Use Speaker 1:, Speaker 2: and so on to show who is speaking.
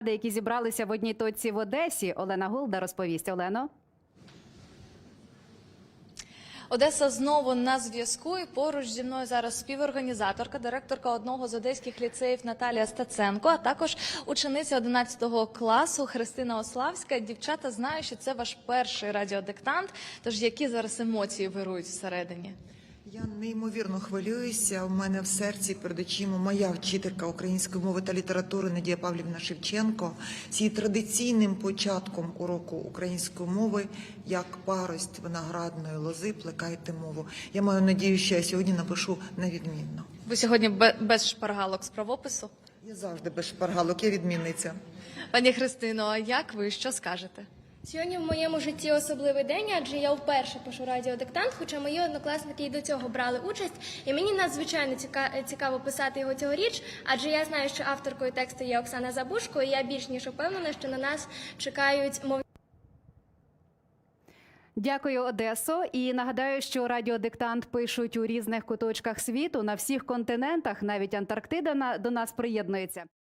Speaker 1: які зібралися в одній точці в Одесі. Олена Голда розповість. Олено.
Speaker 2: Одеса знову на зв'язку, і поруч зі мною зараз співорганізаторка, директорка одного з одеських ліцеїв Наталія Стаценко, а також учениця 11 класу Христина Ославська. Дівчата, знаю, що це ваш перший радіодиктант, тож які зараз емоції вирують всередині?
Speaker 3: Я неймовірно хвилююся. У мене в серці перед очима моя вчителька української мови та літератури Надія Павлівна Шевченко з її традиційним початком уроку української мови «Як парость виноградної лози плекайте мову». Я маю надію, що я сьогодні напишу на відмінно.
Speaker 2: Ви сьогодні без шпаргалок з правопису?
Speaker 3: Я завжди без шпаргалок, я відмінниця.
Speaker 2: Пані Христино, а як ви, що скажете?
Speaker 4: Сьогодні в моєму житті особливий день, адже я вперше пишу радіодиктант, хоча мої однокласники і до цього брали участь. І мені надзвичайно цікаво писати його цьогоріч, адже я знаю, що авторкою тексту є Оксана Забушко, і я більш ніж впевнена, що на нас чекають мовні.
Speaker 1: Дякую, Одесо. І нагадаю, що радіодиктант пишуть у різних куточках світу, на всіх континентах, навіть Антарктида до нас приєднується.